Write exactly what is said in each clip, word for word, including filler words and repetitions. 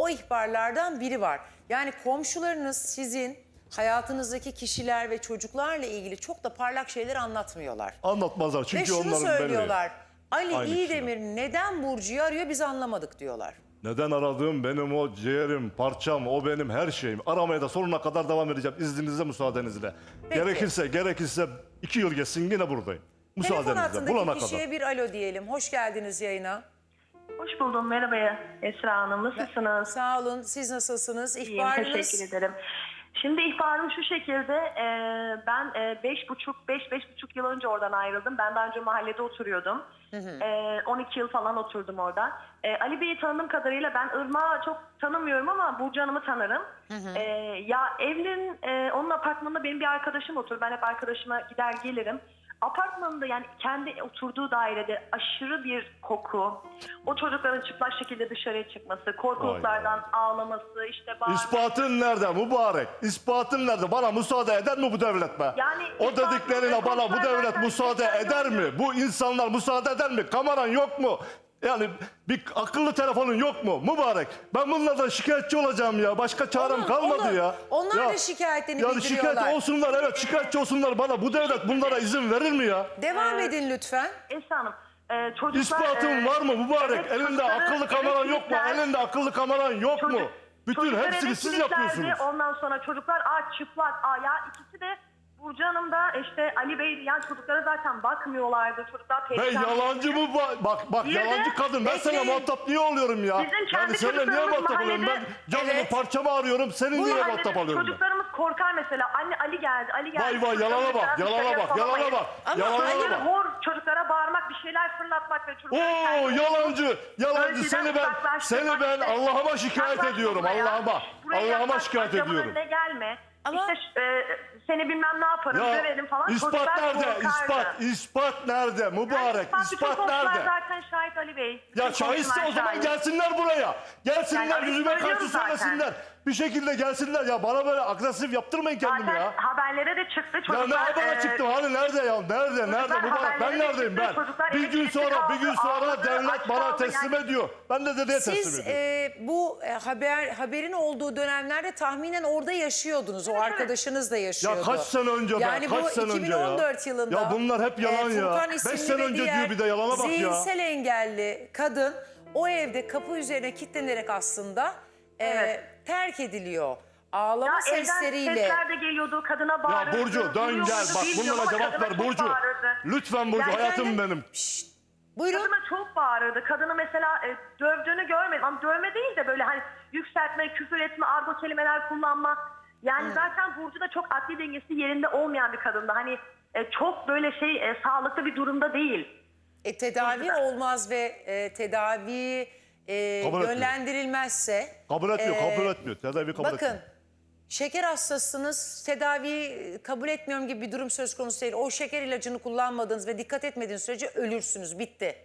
o ihbarlardan biri var. Yani komşularınız sizin hayatınızdaki kişiler ve çocuklarla ilgili çok da parlak şeyler anlatmıyorlar. Anlatmazlar çünkü Ve şunu onların söylüyorlar. Ali Aynı İyidemir neden Burcu'yu arıyor biz anlamadık diyorlar. Neden aradığım benim o ciğerim, parçam, o benim her şeyim. Aramaya da sonuna kadar devam edeceğim izninizle, müsaadenizle. Peki. Gerekirse, gerekirse iki yıl geçsin yine buradayım. Telefon Müsaadenizle, hattındaki bulana kişiye kadar. bir alo diyelim. Hoş geldiniz yayına. Hoş buldum. Merhaba Esra Hanım. Nasılsınız? Sağ olun. Siz nasılsınız? İyiyim. İhbarınız... Teşekkür ederim. Şimdi ihbarım şu şekilde. E, ben e, beş buçuk, beş, beş buçuk yıl önce oradan ayrıldım. Ben daha önce mahallede oturuyordum. Hı hı. E, on iki yıl falan oturdum orada. E, Ali Bey'i tanıdığım kadarıyla ben Irmak'ı çok tanımıyorum ama Burcu Hanım'ı tanırım. Hı hı. E, ya evlerin, e, onun apartmanında benim bir arkadaşım oturur. Ben hep arkadaşıma gider gelirim. Apartmanında yani kendi oturduğu dairede aşırı bir koku, o çocukların çıplak şekilde dışarıya çıkması, korkuluklardan ağlaması, işte bağırması. İspatın nerede mübarek? İspatın nerede? Bana müsaade eder mi bu devlet be? Yani o ispatın dediklerine ve bana bu korkular devlet zaten müsaade yeterli eder mi? oluyor. Bu insanlar müsaade eder mi? Kameran yok mu? Yani bir akıllı telefonun yok mu? Mübarek. Ben bunlardan şikayetçi olacağım ya. Başka çarem Olur, kalmadı olur. ya. Onlar ya, da şikayetlerini yani bildiriyorlar. şikayet olsunlar, evet şikayetçi olsunlar bana. Bu devlet bunlara izin verir mi ya? Devam Ee, edin lütfen. Esra Hanım, e, çocuklar... İspatın e, var mı mübarek? evet, Elinde çocukları akıllı kameran yok mu? elektrikler- Elinde akıllı kameran yok mu? Çocuk- Bütün çocuklar hepsini siz elektriklerdi. yapıyorsunuz. Ondan sonra çocuklar aç, çıplak. Aa, ya ikisi de Burcu Hanım da işte Ali Bey, yani çocuklara zaten bakmıyorlardı. Çocuklar Ben perişan. yalancı mı? ba- Bak bak Bir de- yalancı kadın. Ben sana Bekleyin. muhatap niye oluyorum ya? Bizim kendi Yani seninle niye çocuklarımız muhatap oluyorum? Ben mahallede- canımı Evet. parçamı arıyorum. Senin Bu niye mahallede muhatap alıyorum ben? çocuklarımız korkar mesela. Anne Ali geldi, Ali geldi. Vay vay yalana bak, yalana bak, yalana bak. Ama Yalana Ali bak. Hor çocuklara bağırmak, bir şeyler fırlatmak ve çocuklara... Oo yalancı, yalancı. Önceden Seni ben, uzaklaştırmak seni ben işte. Allah'ıma şikayet Yaklaşma ediyorum. buraya. Allah'ıma. Buraya Allah'ıma yaklaşma, şikayet camın ediyorum. önüne gelme. Ama- İşte e, seni bilmem ne yaparım, Ya döverim falan. ispat Çocuklar nerede? korkardı. İspat, ispat nerede? Yani Mübarek, ispat, bütün ispat komşular nerede? zaten şahit Ali Bey. Bütün Ya şahitse komşular o zaman şahit. gelsinler buraya. Gelsinler Yani arayıp yüzüme karşı söylüyoruz zaten. söylesinler. Bir şekilde gelsinler ya. Bana böyle agresif yaptırmayın kendimi Zaten ya. haberlere de çıktı Ya çocuklar. ne habere e, çıktım hani nerede ya? Nerede? Nerede? çocuklar Mübarek ben haberlere de neredeyim çıktı, ben? çocuklar Bir gün elektrikli sonra bir gün kaldı, sonra ağladı, devlet aç bana kaldı teslim yani. ediyor. Ben de dedeye teslim Siz ediyorum. e, bu e, haber haberin olduğu dönemlerde tahminen orada yaşıyordunuz. O Evet, arkadaşınız da yaşıyordu. Ya kaç sene önce ben? Yani Kaç bu sene önce iki bin on dört ya? yılında. Ya bunlar hep yalan ya. Furkan Beş isimli sene ve önce diğer diyor bir de yalana bak ya. zihinsel engelli kadın o evde kapı üzerine kilitlenerek aslında e, Evet. terk ediliyor. Ağlama Ya evden sesleriyle. sesler de geliyordu, kadına bağırırdı. Ya Burcu dön duruyordu, gel bak bilmiyorum bunlara ama cevap kadına ver çok Burcu. bağırırdı. Lütfen Burcu Ya hayatım efendim? benim. Şşt, buyurun. Kadına çok bağırırdı. Kadını mesela e, dövdüğünü görmedim. Ama dövme değil de böyle hani yükseltme, küfür etme, argo kelimeler kullanma. Yani zaten Burcu da çok akli dengesi yerinde olmayan bir kadındı. Hani e, çok böyle şey e, sağlıklı bir durumda değil. E, tedavi olmaz ve e, tedavi e, Kabul etmiyor. yönlendirilmezse. Kabul etmiyor, e, kabul etmiyor. Tedavi kabul etmiyor. Bakın şeker hastasınız, tedavi kabul etmiyorum gibi bir durum söz konusu değil. O şeker ilacını kullanmadığınız ve dikkat etmediğiniz sürece ölürsünüz, bitti.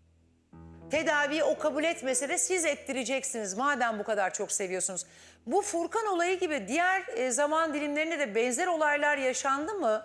Tedaviyi o kabul etmese de siz ettireceksiniz madem bu kadar çok seviyorsunuz. Bu Furkan olayı gibi diğer e, zaman dilimlerinde de benzer olaylar yaşandı mı?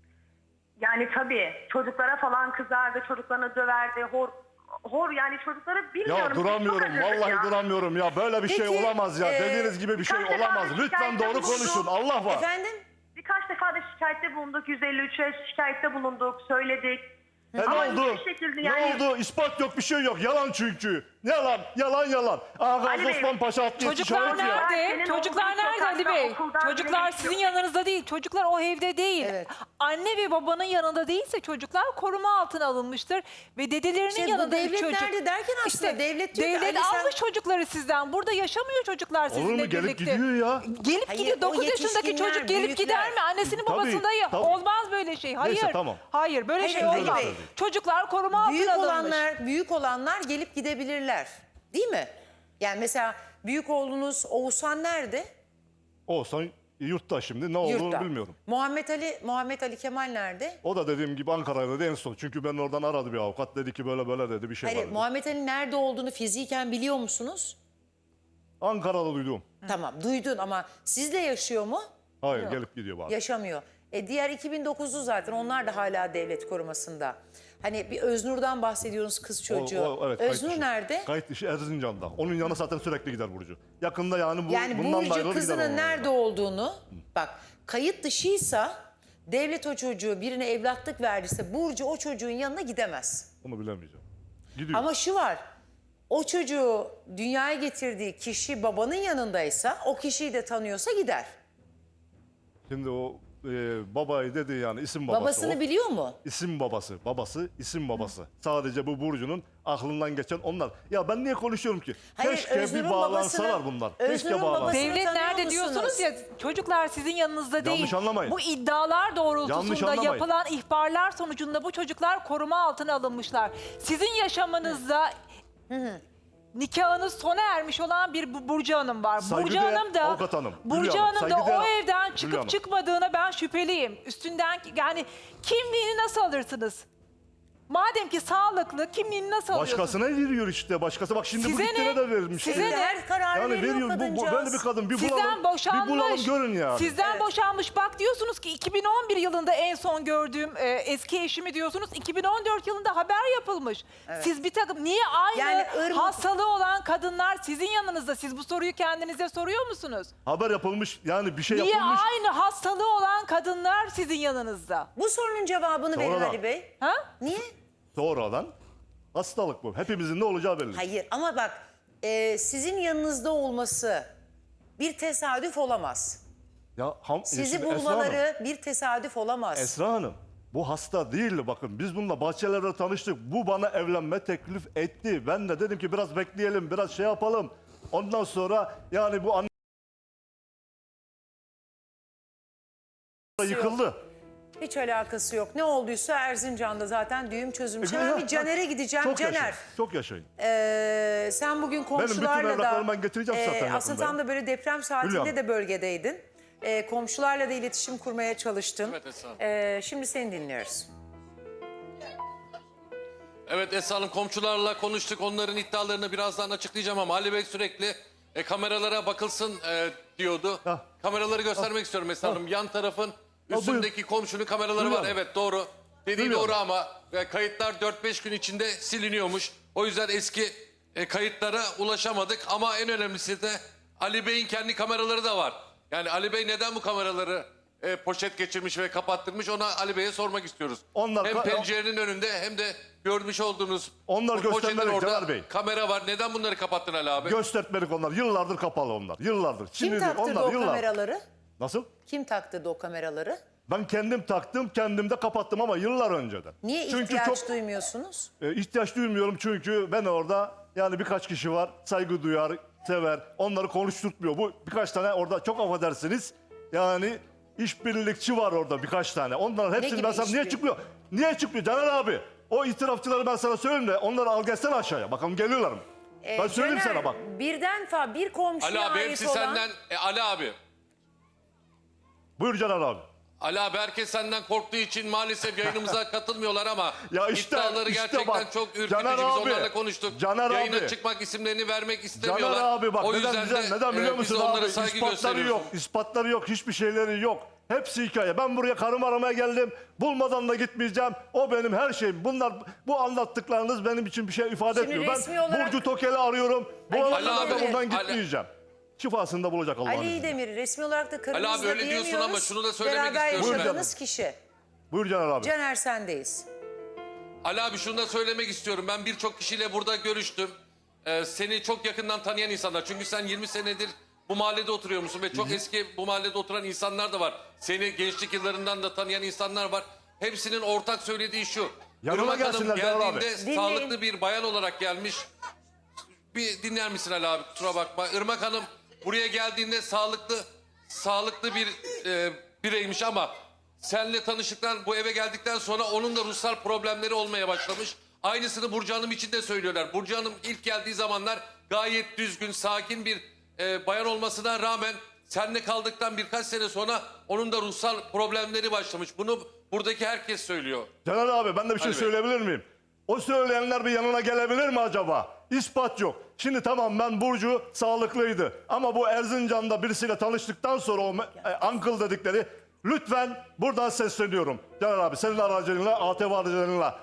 Yani tabii çocuklara falan kızardı, çocuklarını döverdi, hor hor yani çocukları bilmiyorum. Ya biz çok duramıyorum, acıdık vallahi ya. duramıyorum ya. Böyle bir şey Peki, olamaz ya. e, Dediğiniz gibi bir şey birkaç defa olamaz. da Lütfen şikayette doğru bulundum. konuşun. Allah var. Efendim? Birkaç defa da şikayette bulunduk, yüz elli üçe şikayette bulunduk, söyledik. E ne Ama oldu? hiçbir şekilde Ne yani- oldu? İspat yok, bir şey yok. Yalan çünkü. Yalan, yalan, yalan. Ağa Ali Bey, Osman Paşa atlı Çocuklar şahit ya. nerede? Senin Çocuklar olduğun nerede Ali sokakta, Bey? okuldan Çocuklar bile sizin geçiyor. yanınızda değil. Çocuklar o evde değil. Evet. Anne ve babanın yanında değilse çocuklar koruma altına alınmıştır. Ve dedelerinin İşte bu yanında bir devlet çocuk. nerede derken aslında devlet diyor ki, devlet Ali sen- almış çocukları sizden. Burada yaşamıyor çocuklar sizinle Olur mu? birlikte. Gelip gidiyor ya. Gelip Hayır, gidiyor. o dokuz yaşındaki yetişkinler, çocuk gelip büyükler. gider mi? Annesinin Tabii, babasında ya. tabii. Olmaz böyle şey. Hayır. Neyse, tamam. Hayır böyle Hayır, şey Ali olmaz. Bey. Çocuklar koruma Büyük altına alınmış. olanlar, büyük olanlar gelip gidebilirler. Değil mi? Yani mesela büyük oğlunuz Oğuzhan nerede? Olsan yurtta şimdi ne olduğunu Yurtta. bilmiyorum. Muhammed Ali, Muhammed Ali Kemal nerede? O da dediğim gibi Ankara'da en son. Çünkü ben oradan aradı bir avukat. Dedi ki böyle böyle dedi bir şey Hayır, var dedi. Muhammed Ali nerede olduğunu fiziken biliyor musunuz? Ankara'da duydum. Tamam, duydun ama sizle yaşıyor mu? Hayır gelip gidiyor bari. Yaşamıyor. E diğer iki bin dokuzlu zaten onlar da hala devlet korumasında. Hani bir Öznur'dan bahsediyorsunuz, kız çocuğu. O- o- evet, kayıt Öznur dışı. nerede? Kayıt dışı Erzincan'da. Onun yanına zaten sürekli gider Burcu. Yakında yani bu Yani bundan da Burcu ayrılır gider kızının onun nerede yanına. olduğunu, bak kayıt dışıysa devlet o çocuğu birine evlatlık verdiyse Burcu o çocuğun yanına gidemez. Onu bilemeyeceğim. Gidiyor. Ama şu var, o çocuğu dünyaya getirdiği kişi babanın yanındaysa o kişiyi de tanıyorsa gider. Şimdi o e, babayı dedi yani isim babası. Babasını o. biliyor mu? İsim babası, babası, isim babası. Sadece bu Burcu'nun aklından geçen onlar. Ya ben niye konuşuyorum ki? Hayır, Keşke Öznur'un bir bağlansalar babasını- bunlar. Öznur'un Keşke bağlansalar. babasını- Devlet tanıyor nerede musunuz? diyorsunuz ya, çocuklar sizin yanınızda değil. Yanlış anlamayın. Bu iddialar Yanlış doğrultusunda anlamayın. yapılan ihbarlar sonucunda bu çocuklar koruma altına alınmışlar. Sizin yaşamınızda nikahınız sona ermiş olan bir Bu- Burcu Hanım var. Burcu Saygıdeğer Hanım da avukat hanım, Hülya Burcu Hanım, Hanım da saygıdeğer o evden Hülya çıkıp Hanım. çıkmadığına ben şüpheliyim. Üstünden yani kimliğini nasıl alırsınız? Madem ki sağlıklı, kimliğini nasıl alıyorsunuz? Başkasına veriyor işte. Başkası bak şimdi bu Size gittiğine ne? de vermiş. Size Yani ne? Her karar Yani veriyor veriyor bu, bu kadıncağız. böyle bir kadın bir Sizden bulalım. boşanmış. Bir bulalım görün yani. Sizden Evet. boşanmış. Bak diyorsunuz ki iki bin on bir yılında en son gördüğüm e, eski eşimi diyorsunuz. iki bin on dört yılında haber yapılmış. Siz bir takım niye aynı Yani ırmak- hastalığı olan kadınlar sizin yanınızda? Siz bu soruyu kendinize soruyor musunuz? Haber yapılmış yani bir şey Niye yapılmış. aynı hastalığı olan kadınlar sizin yanınızda? Bu sorunun cevabını verin Sonradan. Ali Bey. Ha? Niye? Sonradan hastalık bu. Hepimizin ne olacağı belli. Hayır ama bak e, sizin yanınızda olması bir tesadüf olamaz. Ya ham, Sizi şimdi Esra Hanım, bulmaları bir tesadüf olamaz. Esra Hanım bu hasta değildi bakın. Biz bununla bahçelerde tanıştık. Bu bana evlenme teklif etti. Ben de dedim ki biraz bekleyelim, biraz şey yapalım. Ondan sonra yani bu anne yıkıldı. Hiç alakası yok. Ne olduysa Erzincan'da zaten düğüm çözülmüş. E, Hemen ya, bir Caner'e gideceğim. Çok Caner, yaşayın. Çok yaşayın. e, sen bugün komşularla da... evraklarımı ben getireceğim zaten yakında. aslında tam da böyle deprem saatinde Hülya. de bölgedeydin. E, komşularla da iletişim kurmaya çalıştın. Evet, Esra Hanım. E, şimdi seni dinliyoruz. Evet Esra Hanım, komşularla konuştuk. Onların iddialarını birazdan açıklayacağım ama Ali Bey sürekli e, kameralara bakılsın e, diyordu. Hah. Kameraları göstermek istiyorum Esra Hanım. Yan tarafın buyur. üstündeki komşunun kameraları Buyur. var. Evet doğru. Dediği Buyur. doğru ama e, kayıtlar dört beş gün içinde siliniyormuş. O yüzden eski e, kayıtlara ulaşamadık. Ama en önemlisi de Ali Bey'in kendi kameraları da var. Yani Ali Bey neden bu kameraları e, poşet geçirmiş ve kapattırmış, ona Ali Bey'e sormak istiyoruz. Onlar hem ka- pencerenin önünde hem de görmüş olduğunuz Onlar bu poşetin göstermelik orada Caner Bey. kamera var. Neden bunları kapattın Ali abi? Göstermelik onlar. Yıllardır kapalı onlar. Yıllardır. Kim değil, taktırdı onlar o yıllar. kameraları? Nasıl? Kim taktırdı o kameraları? Ben kendim taktım, kendim de kapattım ama yıllar önceden. Niye Çünkü ihtiyaç çok duymuyorsunuz? e, ihtiyaç duymuyorum çünkü ben orada yani birkaç kişi var, saygı duyar, sever. Onları konuşturtmuyor. Bu birkaç tane orada çok affedersiniz. Yani işbirlikçi var orada birkaç tane. Onların hepsini gibi ben sana niye işbirliği? çıkmıyor? Niye çıkmıyor Caner abi? O itirafçıları ben sana söyleyeyim de onları al gelsene aşağıya. Bakalım geliyorlar mı? Ee, ben söyleyeyim Caner, sana bak. Birden fa bir komşuya Ali abi ait hepsi olan... senden. E, Ali abi. Buyur Caner abi. Ali abi herkes senden korktuğu için maalesef yayınımıza katılmıyorlar ama Ya işte, iddiaları işte gerçekten bak, çok ürkütücü. Caner Biz abi, onlarla konuştuk. Caner Yayına abi. çıkmak, isimlerini vermek istemiyorlar. Caner abi bak o neden, yüzden neden, de neden biliyor e, musun biz de onlara abi? saygı İspatları gösteriyoruz. yok, ispatları yok, hiçbir şeyleri yok. Hepsi hikaye. Ben buraya karım aramaya geldim. Bulmadan da gitmeyeceğim. O benim her şeyim. Bunlar, bu anlattıklarınız benim için bir şey ifade Şimdi etmiyor. resmi Ben olarak- Burcu Tokel'i arıyorum. Bu Ali arada da abi, buradan Ali- gitmeyeceğim. Şifasını da bulacak Allah'ın Ali izniyle. Demir resmi olarak da karınızla Ali abi öyle diyorsun diyemiyoruz. ama şunu da söylemek Beraber istiyorum ben. yaşadığınız kişi. Buyur Caner abi. Caner sendeyiz. Ali abi şunu da söylemek istiyorum. Ben birçok kişiyle burada görüştüm. Ee, seni çok yakından tanıyan insanlar. Çünkü sen yirmi senedir bu mahallede oturuyor musun? Ve çok eski bu mahallede oturan insanlar da var. Seni gençlik yıllarından da tanıyan insanlar var. Hepsinin ortak söylediği şu. Yanıma Irmak Hanım gelsinler Caner abi. geldiğinde Dinleyin. sağlıklı bir bayan olarak gelmiş. Bir dinler misin Ali abi? Kusura bakma. Irmak Hanım buraya geldiğinde sağlıklı sağlıklı bir e, bireymiş ama senle tanıştıktan, bu eve geldikten sonra onun da ruhsal problemleri olmaya başlamış. Aynısını Burcu Hanım için de söylüyorlar. Burcu Hanım ilk geldiği zamanlar gayet düzgün, sakin bir e, bayan olmasına rağmen seninle kaldıktan birkaç sene sonra onun da ruhsal problemleri başlamış. Bunu buradaki herkes söylüyor. Caner abi ben de bir şey Ali Bey. söyleyebilir miyim? O söyleyenler bir yanına gelebilir mi acaba? İspat yok. Şimdi tamam ben Burcu sağlıklıydı. Ama bu Erzincan'da birisiyle tanıştıktan sonra o e, uncle dedikleri lütfen buradan sesleniyorum. Caner abi senin aracılığıyla, A T V aracılığıyla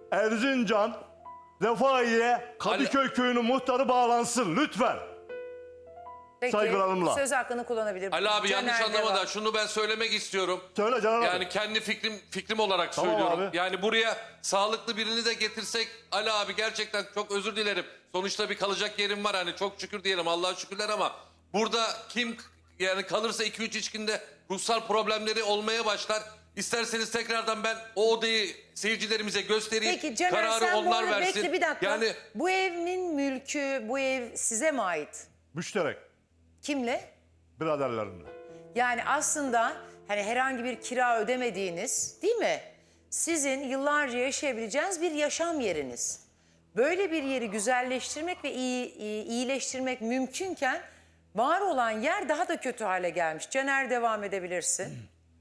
Erzincan, Refaiye, Kadıköy köyünün muhtarı bağlansın lütfen. Peki, Saygılarımla. söz hakkını kullanabilir. Ali abi yanlış Caner anlama da devam. şunu ben söylemek istiyorum. Söyle Caner abi. Yani kendi fikrim fikrim olarak Tamam söylüyorum. abi. Yani buraya sağlıklı birini de getirsek Ali abi gerçekten çok özür dilerim. Sonuçta bir kalacak yerim var hani çok şükür diyelim Allah'a şükürler ama burada kim yani kalırsa iki üç içkinde ruhsal problemleri olmaya başlar. İsterseniz tekrardan ben o odayı seyircilerimize göstereyim. Peki Caner Kararı sen bu onlar arada versin. bekle bir dakika. Yani Bu evin mülkü, bu ev size mi ait? Müşterek Kimle? biraderlerimle. Yani aslında hani herhangi bir kira ödemediğiniz değil mi? Sizin yıllarca yaşayabileceğiniz bir yaşam yeriniz. Böyle bir yeri güzelleştirmek ve iyi, iyi, iyileştirmek mümkünken var olan yer daha da kötü hale gelmiş. Caner devam edebilirsin.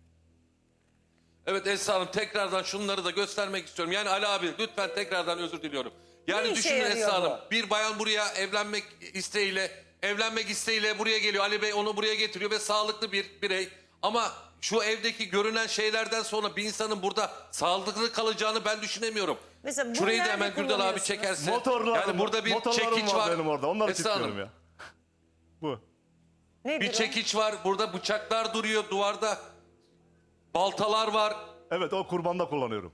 evet Esra Hanım tekrardan şunları da göstermek istiyorum. Yani Ali abi lütfen tekrardan özür diliyorum. Ne Yani işe düşünün yarıyor Esra Hanım bu? bir bayan buraya evlenmek isteğiyle evlenmek isteğiyle buraya geliyor. Ali Bey onu buraya getiriyor ve sağlıklı bir birey. Ama şu evdeki görünen şeylerden sonra bir insanın burada sağlıklı kalacağını ben düşünemiyorum. Mesela bunu Şurayı da nerede hemen Gürdal abi kullanıyorsunuz? çekerse. Motorlarım, yani burada bir motorlarım çekiç var var. benim orada. Onları Esra kilitliyorum Hanım, ya. Bu. Nedir bir o? çekiç var. Burada bıçaklar duruyor duvarda. Baltalar var. Evet o kurbanda kullanıyorum.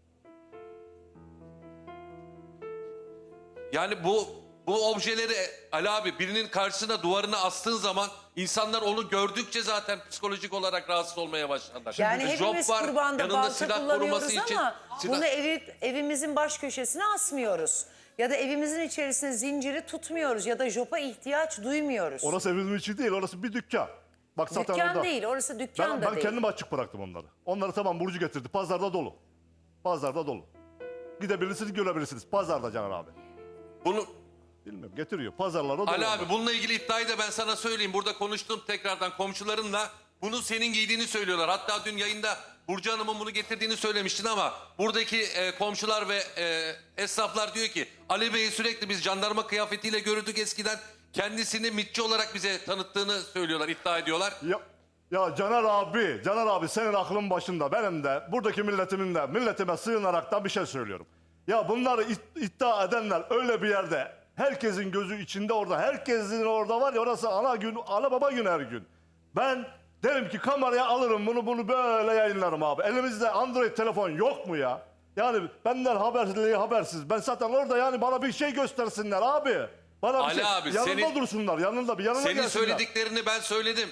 Yani bu bu objeleri Ali abi birinin karşısına duvarına astığın zaman insanlar onu gördükçe zaten psikolojik olarak rahatsız olmaya başlarlar. Yani Şimdi hepimiz job var, kurbanda yanında balta silah kullanıyoruz koruması için. ama silah- bunu evi, evimizin baş köşesine asmıyoruz. Ya da evimizin içerisine zinciri tutmuyoruz ya da jopa ihtiyaç duymuyoruz. Orası evimizin içi değil, orası bir dükkan. Bak zaten Dükkan orada. değil, orası dükkan Ben, da ben değil. kendim açık bıraktım onları. Onları tamam Burcu getirdi. Pazarda dolu. Pazarda dolu. Gidebilirsiniz, görebilirsiniz. Pazarda Caner abi. Bunu Bilmiyorum getiriyor. Pazarlara dolu. Ali onlar. abi bununla ilgili iddiayı da ben sana söyleyeyim. Burada konuştum tekrardan komşularımla. Bunu senin giydiğini söylüyorlar. Hatta dün yayında Burcu Hanım'ın bunu getirdiğini söylemiştin ama buradaki e, komşular ve e, esnaflar diyor ki Ali Bey'i sürekli biz jandarma kıyafetiyle görürdük eskiden. Kendisini mitçi olarak bize tanıttığını söylüyorlar, iddia ediyorlar. Ya, ya Caner abi, Caner abi senin aklın başında. Benim de, buradaki milletimin de, milletime sığınarak da bir şey söylüyorum. Ya bunları it- iddia edenler öyle bir yerde, herkesin gözü içinde orada, herkesin orada var ya orası ana gün, ana baba gün her gün. Ben derim ki kameraya alırım bunu, bunu böyle yayınlarım abi. Elimizde Android telefon yok mu ya? Yani benden haberli habersiz. Ben zaten orada yani bana bir şey göstersinler abi. Bana bir Ali şey, abi, yanında senin- dursunlar, yanında bir yanına Senin gelsinler. söylediklerini ben söyledim.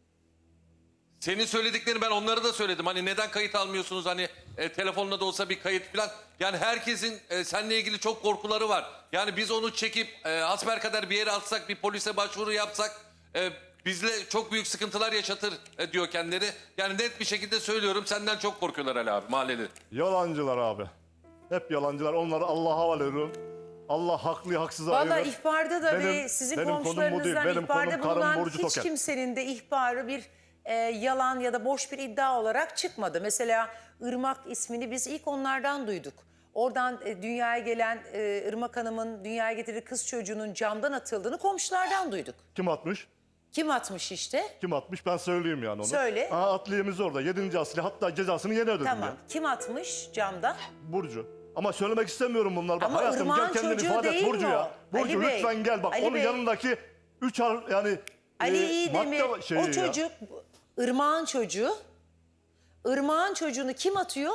Senin söylediklerini ben onlara da söyledim. Hani neden kayıt almıyorsunuz hani e, telefonla da olsa bir kayıt falan. Yani herkesin e, seninle ilgili çok korkuları var. Yani biz onu çekip e, hasbelkader bir yere atsak bir polise başvuru yapsak e, bizle çok büyük sıkıntılar yaşatır e, diyor kendileri. Yani net bir şekilde söylüyorum senden çok korkuyorlar Ali abi mahalleli. Yalancılar abi. Hep yalancılar. Onları Allah'a havale ediyorum. Allah haklı haksızı Valla ayırır. ihbarda da Benim- ve sizin benim konum bu değil. komşularınızdan Benim ihbarda konum karım bulunan Burcu hiç Toker. kimsenin de ihbarı bir e, yalan ya da boş bir iddia olarak çıkmadı. Mesela Irmak ismini biz ilk onlardan duyduk. Oradan e, dünyaya gelen e, Irmak Hanım'ın dünyaya getirdiği kız çocuğunun camdan atıldığını komşulardan duyduk. Kim atmış? Kim atmış işte? Kim atmış? Ben söyleyeyim yani onu. Söyle. Aa, adliyemiz orada. Yedinci asli. Hatta cezasını yeni ödedim Tamam. ya. Kim atmış camdan? Burcu. Ama söylemek istemiyorum bunları. Bak Ama hayatım gel Irmak'ın kendini çocuğu ifade et değil Burcu mi ya. o? Burcu Ali Bey, lütfen gel bak. Ali Onun Bey. yanındaki üç harf yani Ali e, İyidemir, madde şeyi o ya. çocuk Irmak'ın çocuğu. Irmak'ın çocuğunu kim atıyor?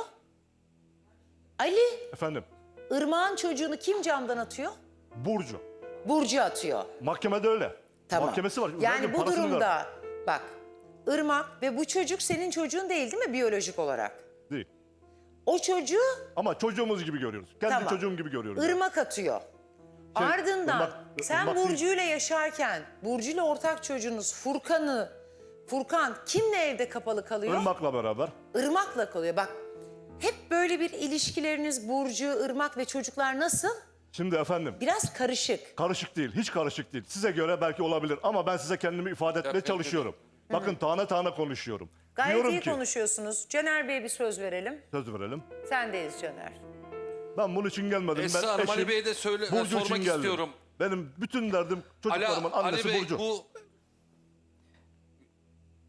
Ali. Efendim. Irmak'ın çocuğunu kim camdan atıyor? Burcu. Burcu atıyor. Mahkemede öyle. Tamam. Mahkemesi var. Yani Verdim, bu parasını durumda verdim. bak Irmak ve bu çocuk senin çocuğun değil değil mi biyolojik olarak? Değil. O çocuğu Ama çocuğumuz gibi görüyoruz. Kendi Tamam. çocuğum gibi görüyorum. ya. Irmak atıyor. Şey, Ardından Irmak- sen Irmak değil. Burcu'yla yaşarken Burcu'yla ortak çocuğunuz Furkan'ı Furkan kimle evde kapalı kalıyor? Irmak'la beraber. Irmak'la kalıyor. Bak hep böyle bir ilişkileriniz Burcu, Irmak ve çocuklar nasıl? Şimdi efendim Biraz karışık. karışık değil. Hiç karışık değil. Size göre belki olabilir ama ben size kendimi ifade etmeye Tabii, tabii. çalışıyorum. Bakın tane tane konuşuyorum. Gayet Diyorum iyi ki konuşuyorsunuz. Caner Bey'e bir söz verelim. söz verelim. Sendeyiz Caner. Ben bunun için gelmedim. Esra ben Hanım, eşim, Ali Bey'e de söyle- Burcu sormak için geldim. istiyorum. Benim bütün derdim Ali, çocuklarımın Ali annesi Bey Burcu. bu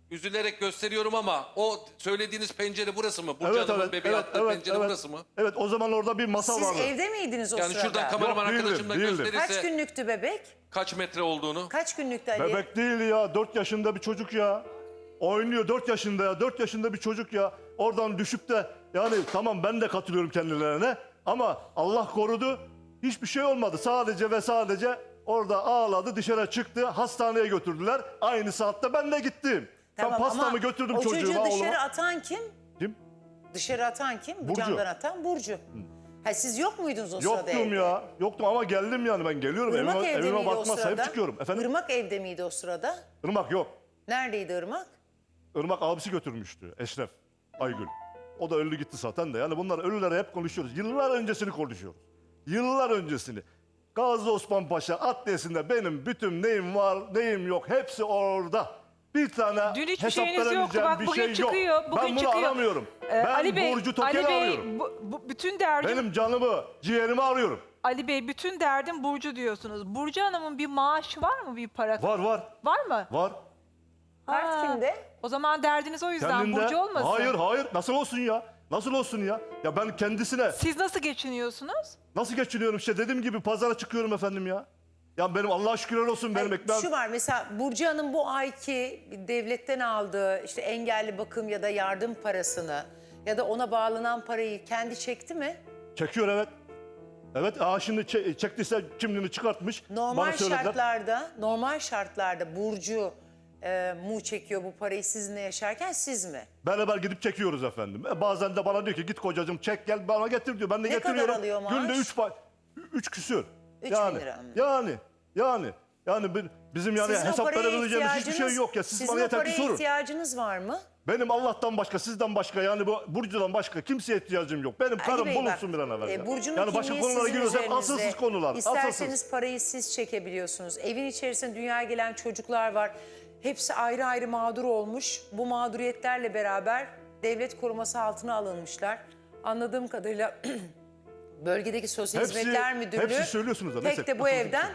üzülerek gösteriyorum ama o söylediğiniz pencere burası mı? Burcu Evet Hanım'ın evet bebeği evet attığı evet, pencere evet. burası mı? Evet o zaman orada bir masa Siz vardı. evde miydiniz o Yani sırada? şuradan kameraman Yok, değildim, arkadaşım da değildim. gösterirse Kaç günlüktü bebek? kaç metre olduğunu. Kaç günlüktü Ali? Bebek değil ya. Dört yaşında bir çocuk ya. Oynuyor dört yaşında ya. Dört yaşında bir çocuk ya. Oradan düşüp de yani tamam ben de katılıyorum kendilerine. Ama Allah korudu. Hiçbir şey olmadı. Sadece ve sadece orada ağladı, dışarı çıktı. Hastaneye götürdüler. Aynı saatte ben de gittim. Tamam, ben pastamı ama götürdüm o çocuğuma, çocuğu dışarı oğluma. atan kim? Kim? Dışarı atan kim? Bu Burcu. camdan atan Burcu. Ha, siz yok muydunuz o sırada Yoktum evde? ya. Yoktum ama geldim yani ben geliyorum. Irmak evime evde evime miydi o bakma sırada? sahip çıkıyorum. Efendim? Irmak evde miydi o sırada? Irmak yok. Neredeydi Irmak? Irmak abisi götürmüştü Eşref Aygül. O da öldü gitti zaten de. Yani bunlar ölüleri hep konuşuyoruz. Yıllar öncesini konuşuyoruz. Yıllar öncesini. Gazi Osman Paşa adliyesinde benim bütün neyim var neyim yok hepsi orada. Bir tane Dün hiçbir hesap şeyiniz yoktu. veremeyeceğim Bak bir bugün şey çıkıyor. yok. Bugün ben bunu çıkıyor. aramıyorum. Ee, ben Ali Bey, Burcu Ali Tokel'i Bey, arıyorum. bu, bu, bütün derdim Benim canımı, ciğerimi arıyorum. Ali Bey, bütün derdim Burcu diyorsunuz. Burcu Hanım'ın bir maaşı var mı, bir para? Var var Var mı? var. Kart Ha, kimde? O zaman derdiniz o yüzden Kendinde. Burcu olmasın. Hayır hayır nasıl olsun ya? Nasıl olsun ya? Ya ben kendisine Siz nasıl geçiniyorsunuz? nasıl geçiniyorum işte dediğim gibi pazara çıkıyorum efendim ya. Ya benim Allah'a şükürler olsun benim Hayır, ekmeğim. Şu var mesela Burcu Hanım bu ayki devletten aldığı işte engelli bakım ya da yardım parasını ya da ona bağlanan parayı kendi çekti mi? Çekiyor evet. Evet aa şimdi çe- çektiyse kimliğini çıkartmış. Normal bana söylediler. şartlarda, normal şartlarda Burcu e, mu çekiyor bu parayı sizinle yaşarken siz mi? Beraber gidip çekiyoruz efendim. E, bazen de bana diyor ki git kocacığım çek gel bana getir diyor. Ben de Ne kadar getiriyorum. alıyor maaş? Günde üç, pa- üç küsür. Üç yani, bin lira mı? Yani yani yani bir- bizim yani Sizin o hesap paraya verebileceğimiz hiçbir şey ihtiyacınız- yok ya. Siz sizin bana o yeter ki paraya sorun. ihtiyacınız var mı? Benim Allah'tan başka, sizden başka yani bu Burcu'dan başka kimseye ihtiyacım yok. Benim Ali karım Bey bulunsun bak, bir an evvel. e, ya. Burcu'nun yani başka kimliği konulara sizin giriyorsak üzerinizde. asılsız konular. İsterseniz Asılsız. parayı siz çekebiliyorsunuz. Evin içerisinde dünyaya gelen çocuklar var. Hepsi ayrı ayrı mağdur olmuş. Bu mağduriyetlerle beraber devlet koruması altına alınmışlar. Anladığım kadarıyla bölgedeki Sosyal Hepsi- Hizmetler Müdürlüğü hepsi söylüyorsunuz da, pek neyse, de bu atılsın. evden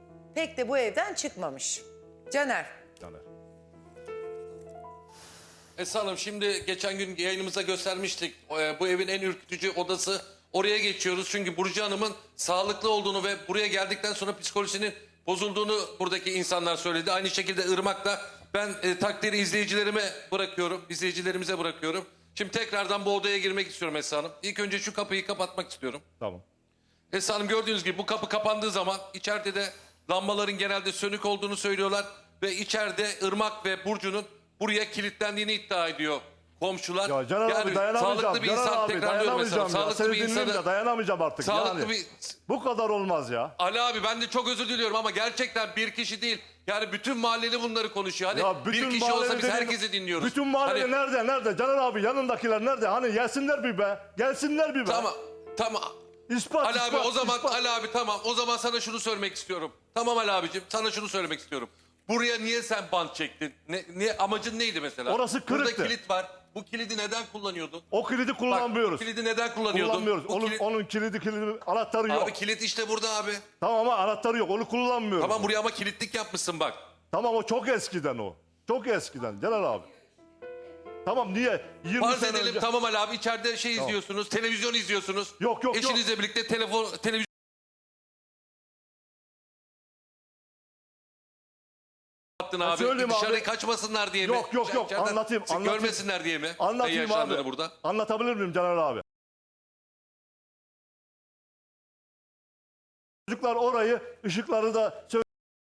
pek de bu evden çıkmamış. Caner. Yani. Esra Hanım şimdi geçen gün yayınımıza göstermiştik. Ee, Bu evin en ürkütücü odası. Oraya geçiyoruz çünkü Burcu Hanım'ın sağlıklı olduğunu ve buraya geldikten sonra psikolojisinin bozulduğunu buradaki insanlar söyledi. Aynı şekilde Irmak'la ben e, takdiri izleyicilerime bırakıyorum. İzleyicilerimize bırakıyorum. Şimdi tekrardan bu odaya girmek istiyorum Esra Hanım. İlk önce şu kapıyı kapatmak istiyorum. Tamam. Esra Hanım gördüğünüz gibi bu kapı kapandığı zaman içeride de lambaların genelde sönük olduğunu söylüyorlar. Ve içeride Irmak ve Burcu'nun buraya kilitlendiğini iddia ediyor komşular. Ya Caner abi dayanamayacağım. sağlıklı bir Caner insan abi tekrarlıyorum mesela. dayanamayacağım ya. Sağlıklı Seni bir dinleyeyim insanı... de dayanamayacağım artık. Sağlıklı yani. bir... Bu kadar olmaz ya. Ali abi ben de çok özür diliyorum ama gerçekten bir kişi değil. Yani bütün mahalleli bunları konuşuyor. Hani Ya bir kişi mahalle olsa biz dediğin- herkesi dinliyoruz. Bütün mahalle Hani- nerede nerede? Caner abi yanındakiler nerede? Hani gelsinler bir be. Gelsinler bir be. Tamam tamam. İspat, Ali abi ispat, o zaman ispat. Ali abi tamam o zaman sana şunu söylemek istiyorum. Tamam Ali abicim sana şunu söylemek istiyorum. Buraya niye sen bant çektin? Ne, ne amacın neydi mesela? Orası kırıktı. Burada kilit var. Bu kilidi neden kullanıyordun? O kilidi Bak, kullanmıyoruz. bu kilidi neden kullanıyordun? Kullanmıyoruz. Bu Onun, kilit- onun kilidi kilidi anahtarı yok. Abi kilit işte burada abi. Tamam ama anahtarı yok. Onu kullanmıyoruz. Tamam buraya ama kilitlik yapmışsın bak. Tamam o çok eskiden o. Çok eskiden Caner abi. Tamam niye? yirmi Farz sene edelim önce... tamam Ali abi içeride şey izliyorsunuz, televizyon izliyorsunuz. Yok, yok, yok. Eşinizle birlikte telefon televizyon attın abi. söyleyeyim Dışarı abi. kaçmasınlar diye mi? Yok, yok, yok. İçeriden Anlatayım, anlatayım. Görmesinler diye mi? Anlatayım Ne yaşandığını abi. burada. Anlatabilir miyim Caner abi? Çocuklar orayı, ışıkları da sö-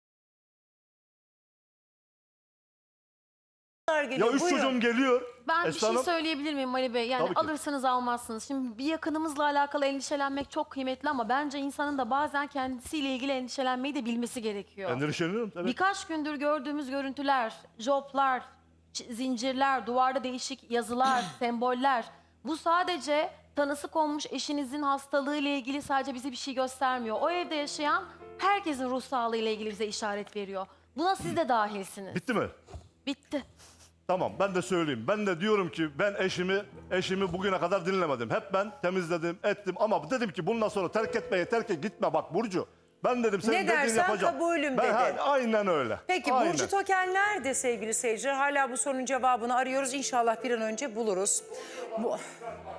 Ya Geliyor. üç Buyurun. çocuğum geliyor. Ben bir Esra şey Hanım. söyleyebilir miyim Ali Bey? Yani Tabii ki. alırsanız almazsınız. Şimdi bir yakınımızla alakalı endişelenmek çok kıymetli ama bence insanın da bazen kendisiyle ilgili endişelenmeyi de bilmesi gerekiyor. Endişeleniyorum tabii. Birkaç gündür gördüğümüz görüntüler, joplar, ç- zincirler, duvarda değişik yazılar, semboller. Bu sadece tanısı konmuş eşinizin hastalığı ile ilgili sadece bize bir şey göstermiyor. O evde yaşayan herkesin ruh sağlığı ile ilgili bize işaret veriyor. Buna siz de dahilsiniz. Bitti mi? Bitti. Tamam ben de söyleyeyim. Ben de diyorum ki ben eşimi eşimi bugüne kadar dinlemedim. Hep ben temizledim, ettim ama dedim ki bundan sonra terk etmeye terk et gitme bak Burcu. Ben dedim senin Ne dediğini dersen yapacağım. kabulüm ben, dedi. ha, aynen öyle. Peki aynen. Burcu Tokel nerede sevgili seyirciler? Hala bu sorunun cevabını arıyoruz. İnşallah bir an önce buluruz. Bu...